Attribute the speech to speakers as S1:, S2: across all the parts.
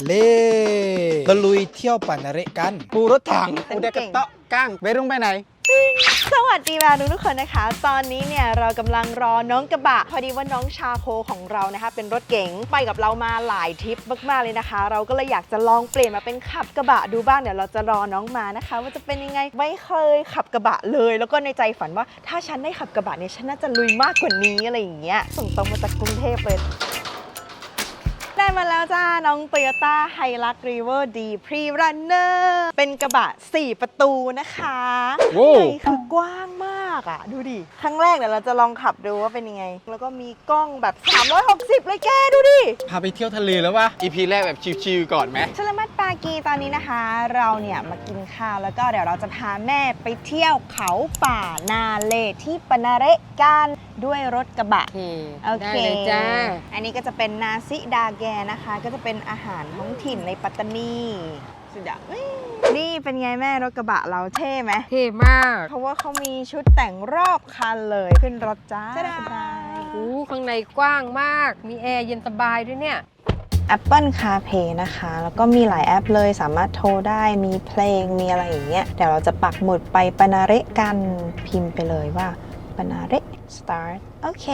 S1: เลตะลุยเที่ยวปานาเระกันปูรถถังปูเด็กกระเตาะก้างไปรุ่งไปไหน
S2: สวัสดีมาทุกคนนะคะ ตอนนี้เนี่ยเรากำลังรอน้องกระบะพอดีว่าน้องชาโคของเรานะคะเป็นรถเก๋งไปกับเรามาหลายทริปมากๆเลยนะคะ เราก็เลยอยากจะลองเปลี่ยนมาเป็นขับกระบะดูบ้างเดี๋ยวเราจะรอน้องมานะคะ ว่าจะเป็นยังไงไม่เคยขับกระบะเลยแล้วก็ในใจฝันว่าถ้าฉันได้ขับกระบะเนี่ยฉันน่าจะลุยมากกว่านี้อะไรอย่างเงี้ยส่งตรงมาจากกรุงเทพเลยได้มาแล้วจ้าน้อง Toyota Hilux Revo D Pre-Runner เป็นกระบะ4ประตูนะคะข้างในคือกว้างมากอ่ะดูดิครั้งแรกเดี๋ยวเราจะลองขับดูว่าเป็นยังไงแล้วก็มีกล้องแบบ360เลยแกดูดิ
S1: พาไปเที่ยวทะเลแล้ววะ EP แรกแบบชิลๆก่อนไหม
S2: ชลมัดปากีตอนนี้นะคะเราเนี่ยมากินข้าวแล้วก็เดี๋ยวเราจะพาแม่ไปเที่ยวเขาป่านาเลที่ปานาเระกันด้วยรถกระบะโอเค
S3: ได้เลยจ้า
S2: อันนี้ก็จะเป็นนาซิดาแกนะคะก็จะเป็นอาหารท้องถิ่นในปัตตานีสุดยอดนี่เป็นไงแม่รถกระบะเราเท่ไหม
S3: เท่มาก
S2: เพราะว่าเขามีชุดแต่งรอบคันเลยขึ้นรถจ้าสบาย
S3: ข้างในกว้างมากมีแอร์เย็นสบายด้วยเนี่ย
S2: Apple CarPlay นะคะแล้วก็มีหลายแอปเลยสามารถโทรได้มีเพลงมีอะไรอย่างเงี้ยเดี๋ยวเราจะปักหมุดไปปานาเระกันพิมพ์ไปเลยว่าปานาเระ start โอเค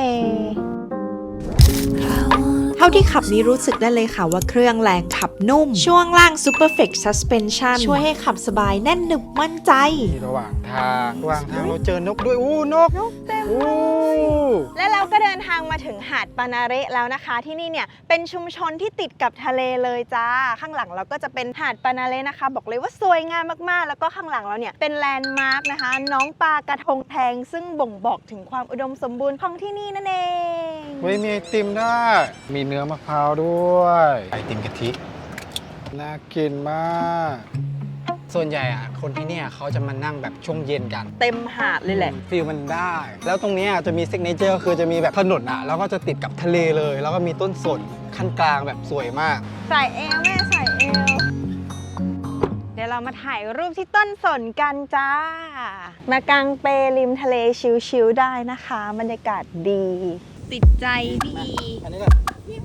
S2: เท่าที่ขับนี้รู้สึกได้เลยค่ะว่าเครื่องแรงขับนุ่มช่วงล่าง Superflex Suspension ช่วยให้ขับสบายแน่นหนึบมั่นใจ
S1: ระหว่างทางเราเจอนกด้วยนก
S2: เต็มและเราก็เดินทางมาถึงหาดปานาเระแล้วนะคะที่นี่เนี่ยเป็นชุมชนที่ติดกับทะเลเลยจ้าข้างหลังเราก็จะเป็นหาดปานาเระนะคะบอกเลยว่าสวยงามมากๆแล้วก็ข้างหลังเราเนี่ยเป็นแลนด์มาร์คนะคะน้องปลากระทงแทงซึ่งบ่งบอกถึงความอุดมสมบูรณ์ของที่นี่นั่นเอง
S1: มีไอติมได้มีเนื้อมะพร้าวด้วยไอติมกะทิน่ากินมากส่วนใหญ่อะคนที่เนี่ยเขาจะมานั่งแบบช่วงเย็นกัน
S2: เต็มหาดเลยแหละ
S1: ฟีลมันได้แล้วตรงนี้จะมีซิกเนเจอร์คือจะมีแบบถนนอะแล้วก็จะติดกับทะเลเลยแล้วก็มีต้นสนขั้นกลางแบบสวยมาก
S2: ใส่เอวแม่ใส่เอวเดี๋ยวเรามาถ่ายรูปที่ต้นสนกันจ้ามากางเปริมทะเลชิลๆได้นะคะบรรยากาศดีติดใจพี่อันนี้ก็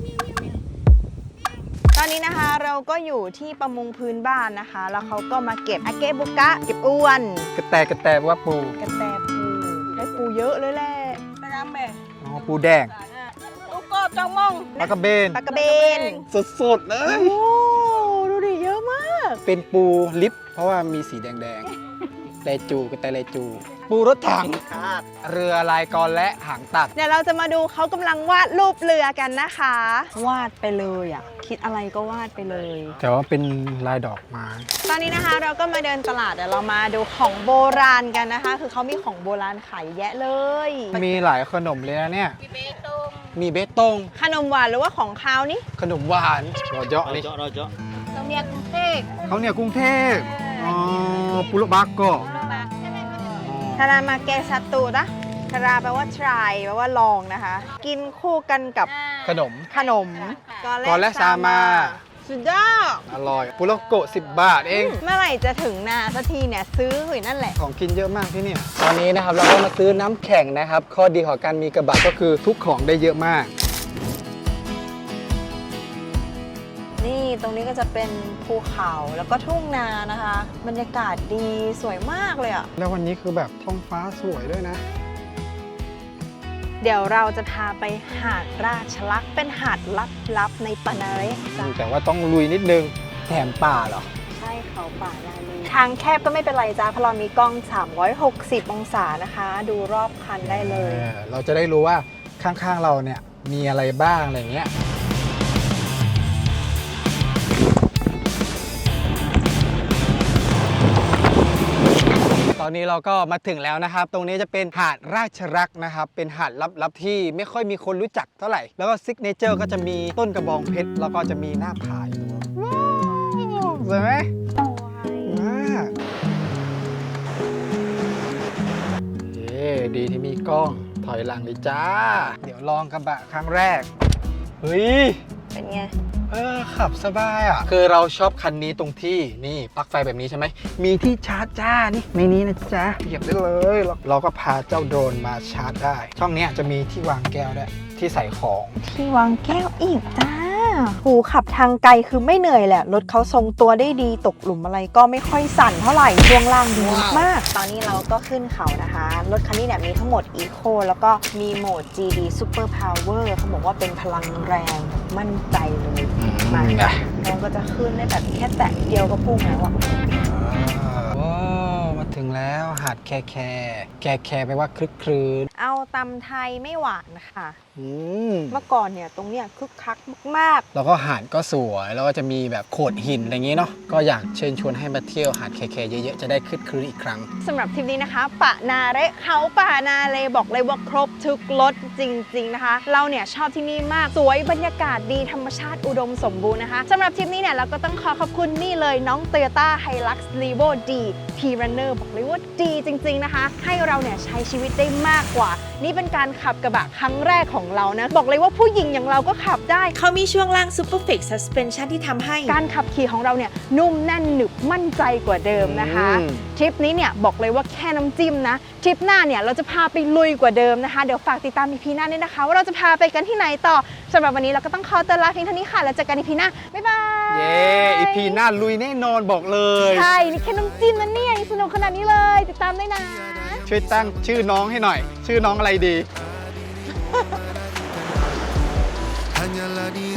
S2: ตอนนี้นะคะเราก็อยู่ที่ประมงพื้นบ้านนะคะแล้วเขาก็มาเก็บอาเกะบุกะเก็บอ้วน
S1: กระแตว่าปู
S2: กระแตปูได้ปูเยอะเลยแหละปลาแม่
S1: อ๋อปูแดง
S2: ลูกกบจังมอง
S1: ปลากระเบนสดๆเลย
S2: โอ้ดูดิเยอะมาก
S1: เป็นปูลิปเพราะว่ามีสีแดงๆแลจูกระแตแลจูปูรถถังเรือลายกรและหางตัก
S2: เดี๋ยวเราจะมาดูเขากำลังวาดรูปเรือกันนะคะวาดไปเลยอ่ะคิดอะไรก็วาดไปเลย
S1: แต่ว่าเป็นลายดอกไม้
S2: ตอนนี้นะคะเราก็มาเดินตลาดเดี๋ยวเรามาดูของโบราณกันนะคะคือเขามีของโบราณขายแยะเลย
S1: มีหลายขนมเลยนะเนี่ยมีเบตง
S2: ขนมหวานหรือว่าของคาวนี่
S1: ขนมหวานรอเจาะเลย
S3: เราเนี่ยกรุงเทพ
S1: เขาเนี่ยกรุงเทพอ๋อปุโรบักโก
S2: ทารามาเกซัตตูนะทาราแปลว่า try แปลว่าลองนะคะกินคู่กันกับ
S1: ขนมกอและซามา
S2: สุดยอด
S1: อร่อยปุโรโกะ10 บาทเอง
S2: เมื่อไหร่จะถึงนาสักทีเนี่ยซื้ออยู่นั่นแหละ
S1: ของกินเยอะมากที่นี่ตอนนี้นะครับเราก็มาซื้อน้ำแข็งนะครับข้อดีของการมีกระบะก็คือทุกของได้เยอะมาก
S2: นี่ตรงนี้ก็จะเป็นภูเขาแล้วก็ทุ่งนานะคะบรรยากาศดีสวยมากเลยอ่ะ
S1: แล้ววันนี้คือแบบท้องฟ้าสวยด้วยนะ
S2: เดี๋ยวเราจะพาไปหาดราชลักษ์เป็นหาดลับๆในปานาเระ
S1: แต่ว่าต้องลุยนิดนึงแถมป่าเหรอ
S2: ใช่เขาป่านาเลทางแคบก็ไม่เป็นไรจ้าเพราะเรามีกล้อง360องศานะคะดูรอบคันได้เลย
S1: เราจะได้รู้ว่าข้างๆเราเนี่ยมีอะไรบ้างอะไรเงี้ยตอนนี้เราก็มาถึงแล้วนะครับตรงนี้จะเป็นหาดราชรักษ์นะครับเป็นหาดลับๆที่ไม่ค่อยมีคนรู้จักเท่าไหร่แล้วก็ซิกเนเจอร์ก็จะมีต้นกระบองเพชรแล้วก็จะมีหน้าผาอยู่สวยไหมดีที่มีกล้องถอยหลังเลยจ้าเดี๋ยวลองกระบะครั้งแรกเฮ้ย
S2: เป็นไง
S1: ขับสบายอ่ะคือเราชอบคันนี้ตรงที่นี่ปลั๊กไฟแบบนี้ใช่ไหมมีที่ชาร์จจ้านี่ในนี้นะจ๊ะเหยียบได้เลยเราก็พาเจ้าโดรนมาชาร์จได้ช่องนี้จะมีที่วางแก้วด้วยที่ใส่ของ
S2: ที่วางแก้วอีกจ้าหูขับทางไกลคือไม่เหนื่อยแหละรถเขาทรงตัวได้ดีตกหลุมอะไรก็ไม่ค่อยสั่นเท่าไหร่ช่วงล่างดีมากตอนนี้เราก็ขึ้นเขานะคะรถคันนี้เนี่ยมีทั้งหมด Eco แล้วก็มีโหมด GD Super Power เขาบอกว่าเป็นพลังแรงมั่นใจเลยมาน้องก็จะขึ้นได้แบบแค่แตะเดียวก็พุ่งแล้วอะ
S1: ว้าวมาถึงแล้วหาดแคแคแปลว่าคลึกครื้น
S2: เอาตำไทยไม่หวานค่ะ
S1: อืม
S2: เมื่อก่อนเนี่ยตรงเนี้ยคึกคักมาก
S1: แล้วก็หาดก็สวยแล้วก็จะมีแบบโขดหินอะไรอย่างงี้เนาะก็อยากเชิญชวนให้มาเที่ยวหาดแคเยอะๆจะได้คลึกครื้นอีกครั้ง
S2: ๆสำหรับทริปนี้นะคะปะนาเระเขาปะนาเลบอกเลยว่าครบทุกรสจริงๆนะคะ เราเนี่ยชอบที่นี่มากสวยบรรยากาศดีธรรมชาติอุดมสมบูรณ์นะคะสำหรับทริปนี้เนี่ยเราก็ต้องขอบคุณนี่เลยน้อง Toyota Hilux Levo D P-Runner บอกเลยว่าดีจริงๆนะคะให้เราเนี่ยใช้ชีวิตได้มากกว่า นี่เป็นการขับกระบะครั้งแรกของเรานะบอกเลยว่าผู้หญิงอย่างเราก็ขับได้
S4: เขามีช่วงล่าง Super Flex Suspension ที่ทำให้
S2: การขับขี่ของเราเนี่ยนุ่มแน่นหนึบมั่นใจกว่าเดิมนะคะ ทริปนี้เนี่ยบอกเลยว่าแค่น้ำจิ้มนะทริปหน้าเนี่ยเราจะพาไปลุยกว่าเดิมนะคะเดี๋ยวฝากติดตาม EP หน้าด้วยนะคะว่าเราจะพาไปกันที่ไหนต่อสำหรับวันนี้เราก็ต้องขอตัวลาเพียงเท่านี้ค่ะแล้วเจอกัน EP หน้าบ๊ายบาย
S1: เย้อีพีหน้าลุยแน่นอนบอกเลย
S2: ใช่นี่แค่น้ำจิ้มนะเนี่ยยังสนุกขนาดนี้เลยติดตามด้วยนะ
S1: ช่วยตั้งชื่อน้องให้หน่อย ชื่อน้องอะไรดี
S5: Hanyalah diri